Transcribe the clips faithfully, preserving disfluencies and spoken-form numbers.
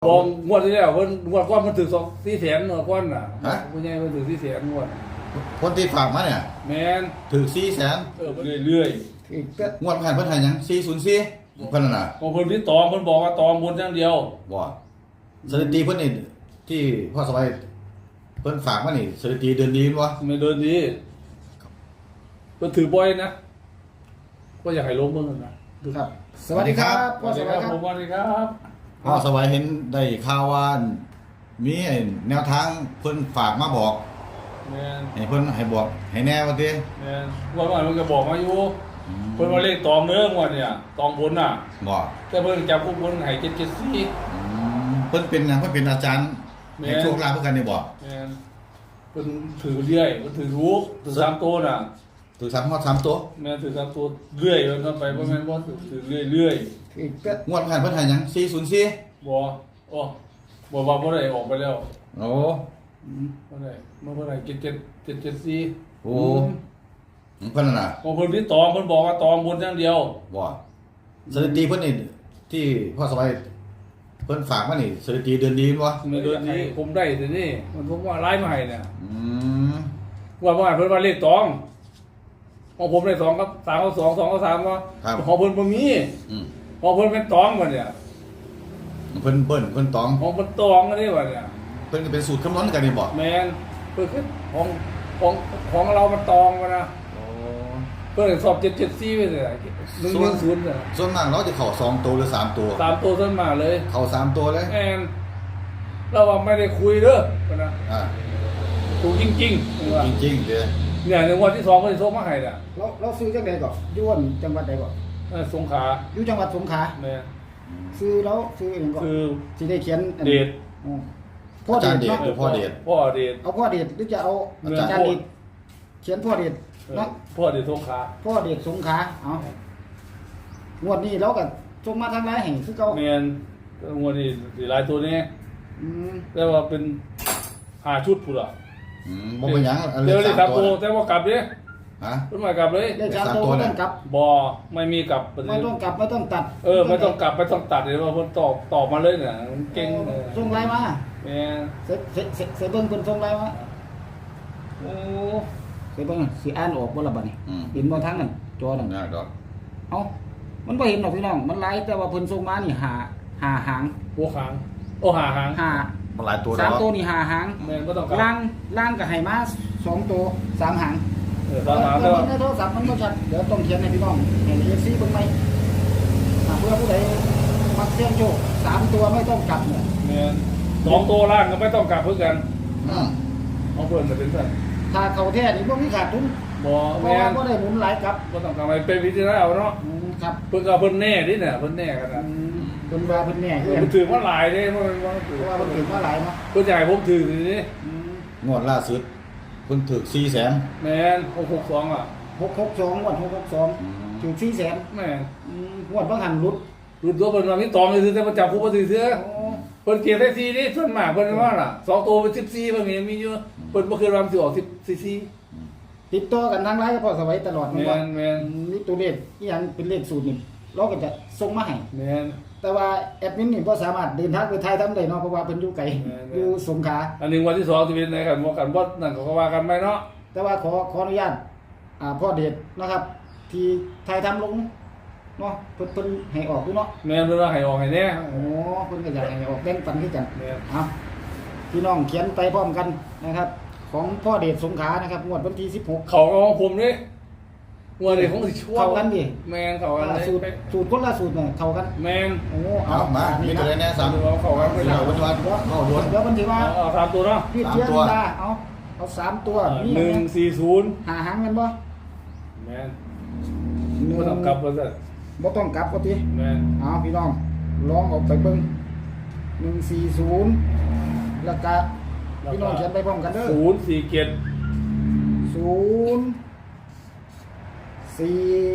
บองงวดที่แล้วเพิ่นงวดก้อนมันถือสองสี่แสนงวดก้อนน่ะฮะผู้ใหญ่เพิ่นถือสี่แสนงวดคนที่ฝากมาเนี่ยแม่นถือสี่แสนเออเรื่อยอีกก็งวดผ่านเพิ่นให้หยังสี่ศูนย์สี่เพิ่นน่ะนะๆของเพิ่นที่ตองเพิ่นบอกว่าตองบนอย่างเดียวบ่สถิติเพิ่นนี่ที่พ่อสบายเพิ่นฝากมานี่สถิติเดือนนี้บ่ไม่เดินดีเพิ่นถือบ่อยนะก็อยากให้ลงเบิ่งนั่นนะครับสวัสดีครับสวัสดีครับผมสวัสดีครับพ่อสบายเห็นได้ข่าวว่ามีไอ้แนวทางเพิ่นฝากมาบอกแม่นให้เพิ่นให้บอกให้แน่ว่าติแม่นงวดก่อนมันก็บอกมาอยู่เพิ่นว่าเลขตองเด้องวดเนี่ยตองบนน่ะบ่แต่เพิ่นจับพวกเพิ่นให้เจ็ดเจ็ดสี่อืมเพิ่นเป็นหยังเพิ่นเป็นอาจารย์แม่ให้โชคลาภเพื่อกันนี่บ่แม่นเพิ่นถือเรื่อยเพิ่นถือรู้ถือสามตัวน่ะถือสามฮอดสามตัวแม่ถือสามตัวเรื่อยมันก็ไปเพราะแม่นบ่ถือถือเรื่อยเรื่อยอีกก็งวดผ่านเพิ่นให้หยังสี่ศูนย์สี่บ่โอ้บ่ว่าบ่ได้ออกไปแล้วโอ้บ่ได้มันบ่ได้เจ็ดเจ็ดเจ็ดเจ็ดสี่โอ้เพิ่นน่ะนะของเพิ่นที่ตองเพิ่นบอกว่าตองบนอย่างเดียวบ่สถิติเพิ่นนี่ที่พ่อสบายเพิ่นฝากมานี่สถิติเดือนนี้บ่ในเดือนนี้ผมได้แต่นี่มันผมว่าไล่มาให้เนี่ยอืมว่าว่าเพิ่นว่าเลขตองของผมได้สองกับสามกับสองสองกับสามว่าของเพิ่นบ่มีอืมของเพิ่นเป็นตองบ่เนี่ยเพิ่นเบิ้นเพิ่นตองของเพิ่นตองอันนี้บ่เนี่ยเพิ่นก็เป็นสูตรคำนวณกันนี่บ่แม่นเพิ่นคือของของของเรามันตองมานะโอ้เพิ่นสอบเจ็ดเจ็ดสี่ไปเลยหนึ่งหนึ่งศูนย์เนี่ยส่วนมากเราจะเข้าสองตัวหรือสามตัวสามตัวต้นมาเลยเข้าสามตัวเลยแอนเราว่าไม่ได้คุยเด้อปะนะอ่าถูกจริงๆว่าจริงๆเด้อเนี่ยในวันที่สองก็จะส่งมาให้น่ะเราเราซื้อจังไดก่อนอยู่วันจังหวัดใดก่อนเออสงขลาอยู่จังหวัดสงขลาแม่ซื้อแล้วซื้อเองก่อนคือสิได้เขียนอันเดชอ๋อพ่ออาเดจารชย์เดชเนาะหรือพ่อเดชพ่อเดชเอาพ่อเดชหรือจะเอาเงินอาจารย์เดชเขียนพ่อเดชเออเนาะพ่อเดชสงขลาพ่อเดชสงขลาเอางวดนี้เราก็ส่งมาทางไลน์ให้คือเก่าแม่นงวดนี้สิหลายตัวนี้อืมแต่ว่าเป็นหาชุดพุ่นล่ะอืมบ่เป็นหยังอันเดี๋ยวเลนี้ขครัสาบมโตตัวแต่ว่ากลับเด้ฮะเพิ่นมากลับเลยได้สามสามตัวตัวไม่เนี่ต้ยองกลับบ่ไม่มีกลับไม่ต้องกลับไม่ต้องตัดเออไม่ต้องกลับไม่ต้องตัดเดี๋ยวว่าเพิ่นตอบตอบมาเลยน่ะเก่งเออส่งไลน์มาแม่นเสร็จเสร็จเสร็จเสร็จเบิ่งเพิ่นส่งไลน์มาโอ้เสร็จเบิ่งสิอ่านออกบ่ล่ะบัดนี้อืมเห็นบ่ทางนั้นจอนั่นยากดอกเอ้ามันบ่เห็นหรอกพี่น้อง มันไลฟ์แต่ว่าเพิ่นส่งมานี่หาหาหางหัวขางโอ้หาหางหามันหลายตัวสามดอกตัวนี่หาหางแม่นบ่ต้องกลับล่างล่างก็ให้มาสองตัวสามหางเออตอนหาเดี๋แต่ยวว่าในโทรศัพท์มันบ่ชัดเดี๋ยวต้องเขียนให้พี่น้องเห็น เอฟ ซี เบิ่งไหมอ่าเพื่อผู้ใดมักเสี่ยงโชคสามตัวไม่ต้องกลับเนี่ยแม่นสองตัวล่างก็ไม่ต้องกลับเพื่อกันอืมเอาเพิ่นมาเป็นสั่นถ้าเขาแท้นี่บ่มีขาดทุนบ่เพราะแม่ว่าน บ่ได้หมุนหลายกลับบ่ต้องกลับไปเป็นพิจารณาเอาเนาะอืมครับเพิ่นก็เพิ่นแน่ดิเนี่ยเพิ่นแน่กันอืน่ะมเพิ่นว่าเพิ่นแน่คือเพิ่นถือว่าหลายเด้เพราะมันว่าถือเพราะว่าเพิ่นถือว่าหลายเนาะเพิ่นจะให้ผมถือสิอืมงวดล่าสุดเพิ่นถูกสี่แสนแม่นหกหกสองอ่ะหกหกสองงวดหกหกสองอืมถูกสี่แสนแม่นอืมงวดบางหันหลุดรุ่นตัวเพิ่นว่ามีตอมเลยแต่มันจับผู้บ่ถือเสือโอ้เพิ่นเก็บได้สี่นี่ส่วนมากเพิ่นว่าล่ะสองตัวเป็นสิบสี่บางทีมีอยู่เพิ่นบ่เคยว่ามันสิออกสิบสี่ติดต่อกันทางไลน์ก็พอสวัยตลอดแม่ว่านแม่นนี่ตัวเลขอีหยังเป็นเลขสูตรนี่เราก็จะส่งมาให้แม่นแต่ว่าแอดมินนี่บ่สามารถเดินทางไปไทยทำได้เนาะเพราะว่าเพิ่นอยู่ไกลแม่นๆอยู่สงขลาอันหนึงวันที่สองสิเป็นไหนกันบ่กันบ่นั่นก็ว่ากันไปเนาะแต่ว่าขอขออนุญาตอ่าพ่อเดชนะครับ ที่ไทยทำลงเนาะเพิ่นเพิ่นให้ออกอยู่เนาะแม่นเพิ่นว่าให้ออกให้แน่โอ้เพิ่นก็อยากให้ออกแบ่งปันคือกันแม่นเอาพี่น้องเขียนไปพร้อมกันนะครับ ของพ่อเดชสงขลานะครับงวดวันที่สิบหกเขาก็ของผมนี่งวดนี้ของสิช่วเข้ากันดิแม่นเข้ากันอ่าเลยสูตรสูตรคนละสูตรเนี่ยเข้ากันแม่นโอ้เอามามีตัวใดแน่สามเอาเข้ากันไปเดี๋แล้ยวววันวันเดี๋ยวเข้าด่วนเดี๋ยวมันถือว่าเอาเอาสามตัวเนาะพี่เทียนตาเอาเอาสามตัวนี่หนึ่งสี่ศูนย์หาหางกันบ่แม่นบ่ต้องกลับว่าซั่นบ่ต้องกลับก็ทีแม่นเอาพี่น้องลองเออกไปเบิ่งหนึ่งสี่ศูนย์แล้วก็พี่น้องเขียนไปพร้อมกันเด้อศูนย์สี่เจ็ดศูนย์สี่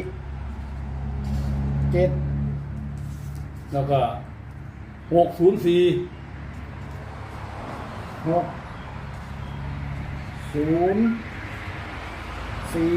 เจ็ดแล้วก็หกศูนย์สี่หกศูนย์สี่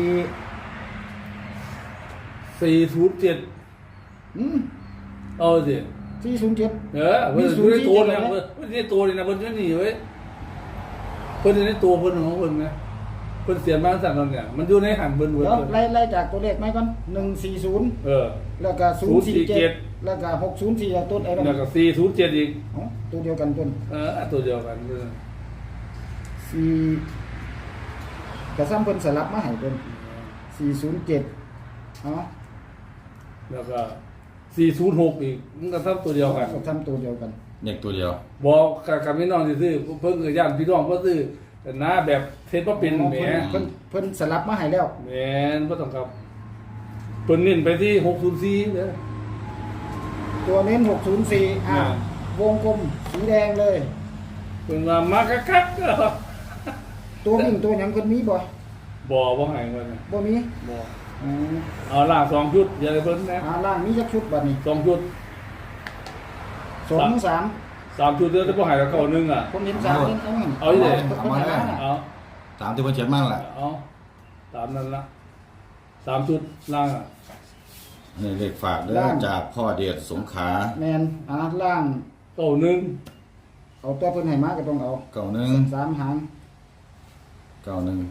สี่ศูนย์เจ็ดอืมเอาสิสี่ศูนย์เจ็ดเออเพิ่นอยู่ในตัวนี่นะเพิ่นเพิ่นในตัวนี่นะเพิ่นจะหนีเว้ยเพิ่นอยู่ในตัวเพิ่นของเพิ่นนะเพิ่นเสียมาสั่นนั่นเนี่ยมันอยู่ในหันเพิ่นเพิ่นเดี๋ยวไล่ไล่จากตัวเลขไหมก่อนหนึ่งสี่ศูนย์เออแล้วก็ศูนย์สี่เจ็ดศูนย์สี่เจ็ดแล้วก็หกศูนย์สี่ต้นไอ้บ้างแล้วก็สี่ศูนย์เจ็ดอีกอ๋อตัวเดียวกันต้นเออตัวเดียวกันเออสี่กระซ้ำเพิ่นสลับมาให้ต้นสี่ศูนย์เจ็ดอ๋อแล้วก็สี่ศูนย์หกอีกมันก็ทำตัวเดียวกันก็ทำตัวเดียวกันเด็กตัวเดียวบอกกับกับพี่น้องที่ซื้อเพิ่นก็ย่านพี่น้องเพิ่นซื้อแต่หน้าแบบเทศบ่เป็นอ๋อแหมเพิ่นเพิ่นเพิ่นสลับมาให้แล้วแหมนบ่ต้องครับเพิ่นเน้นไปที่หกศูนย์สี่เด้อตัวเน้นหกศูนย์สี่อ่าอ่าวงกลมสีแดงเลยเพิ่นว่ามาคักๆเด้อตัววิ่งตัวหยังเพิ่นมีบ่บ่บ่ให้เพิ่นน่ะบ่มีบ่อืมเอาล่างสองชุดอย่าให้เพิ่นนะอ่าล่างมีจักชุดบัดนี้สองชุดสองสามสามชุดเด้อแต่บ่ให้กับเก่าหนึงอ่ะผมเห็นสามเห็นเอาหนึ่งเอาอีกเลยเพิ่นให้มาน่ะเอาตามที่เพิ่นเขียนมาแหละเอาตามนั้นละสามชุดล่างอ่ะนี่เลขฝากเด้อจากพ่อเดชสงขลาแม่นอ่าล่างเก่าหนึงเอาตัวเพิ่นให้มาก็ต้องเอาเก้าหนึ่งสามหางเก้าหนึ่ง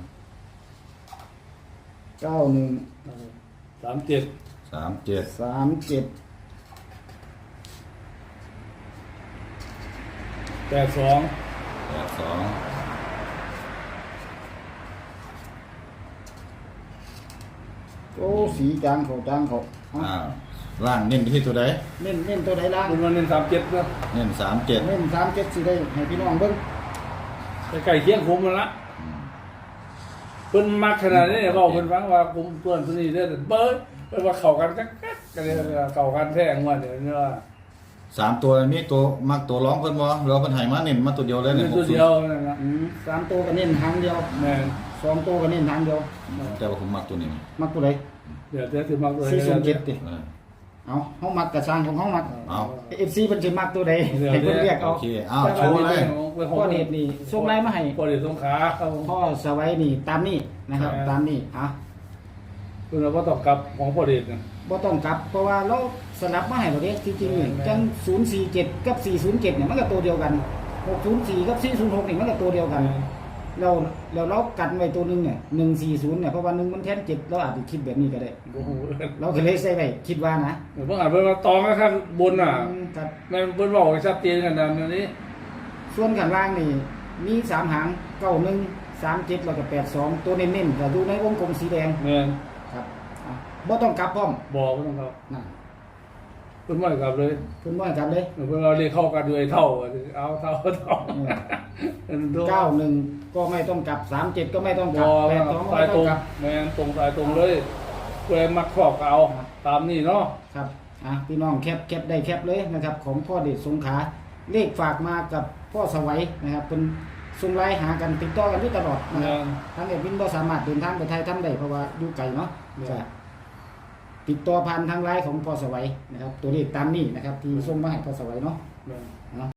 เก้าหนึ่งสามเจ็ดสามเจ็ดสามเจ็ดแปดสองแปดสองโอ้สีจางเขาจางเขาเอาอ่าล่างเน้นไปที่ตัวใดเน้นเน้นตัวใดล่างคุณวันเน้นสามเจ็ดนะเน้นสามเจ็ดเน้นสามเจ็ดสิได้ให้พี่น้องเบิ่งใกล้ๆเคียงคุมมันละเพิ่นมักขนาดนี้บอกเพิ่นฟังว่าคุมตัวตัวนี้เด้อเบิ้ลเพิ่นว่าเข้ากันจักกักกันเลยเข้ากันแท้งวดเดี๋ยวนี้ว่าสามตัวมีตัวมักตัวร้องเพิ่นบ่หรือว่าเพิ่นให้มาเน้นมาตัวเดียวเลยเป็เนี่ยนตัวเดียวนั่นนะอืมสามตัวก็เน้นหางเดียวแม่นสองตัวก็เน้นหางเดียวแต่ว่าผมมักตัวนี้มักตัวใดเดี๋ยวจะสิมักเลยสี่ศูนย์เจ็ดติเออเอาเฮามักกระช่างของเฮามักเอาเอฟซีเพิ่นสิมักตัวใดให้เพิ่นเรียกโอเอาเคอ้าวโชว์เลยพ่อเดชนี่ส่งไลน์มาให้พ่อเดชสงขลาครับพ่อสวัยนี่ตามนี้นะครับ ตามนี้อ่ะเพิ่นว่าต้องกลับของพ่อเดชนะบ่ต้องกลับเพราะว่าเราสลับมาให้เราเด้จริงๆนี่แม่นจังศูนย์สี่เจ็ดกับสี่ศูนย์เจ็ดเนี่ยมันก็ตัวเดียวกันหกศูนย์สี่กับสี่ศูนย์หกนี่มันก็ตัวเดียวกัน เราเราเรากันไว้ตัวหนึงเนี่ยหนึ่งสี่ศูนย์เนี่ยเพราะว่าหนึ่งมันแทนเจ็ดเราอาจจะคิดแบบนี้ก็ได้โอ้โหเราก็เลยใส่ไว้คิดว่านะเดี๋ยวเพิ่งอ่านเพิ่นว่าตองข้างบนน่ะอืมครับแม่นเพิ่นบอกให้ชัดเจนกันนะเดี๋ยวนี้ส่วนข้างล่างนี่มีสามหางเก้าหนึ่งสามเจ็ดแล้วก็แปดสองตัวเน้นๆก็ดูในวงกลมสีแดงแม่นครับอ่ะบ่ต้องกลับพร้อมบอกบ่ต้องครับนั่นเพิ่นบ่ให้กลับเลยคุณว่ากลับเลยเพิ่นเราเรียกเข้ากันด้วยเท่าเอาเท่าเท่าเออเก้าหนึ่งก็ไม่ต้องกลับสามเจ็ดก็ไม่ต้องกบลับอแปดสองก็สายไม่ตต้รองงกลับแม่นตรงสายตรงเลยเพื่อมักครอบก็เอาตามนี้เนาะครับอ่ะพี่น้องแคปแคปได้แคปเลยนะครับ ของพ่อเดชสงขลาเลขฝากมากับพ่อสวัยนะครับเป็นส่งไลน์หากันติดต่อกันอยู่ตลอดนะครับ ทางเอ็ดวินบ่สามารถเดินทางไปไทยทำได้เพราะว่าอยู่ไกลเนาะเนี่ยจะติดต่อผ่านทางไลน์ของพอสวัยนะครับ ตัวเลขตามนี้นะครับ ที่ส่งมาให้พอสวัยเนาะแม่นเนาะ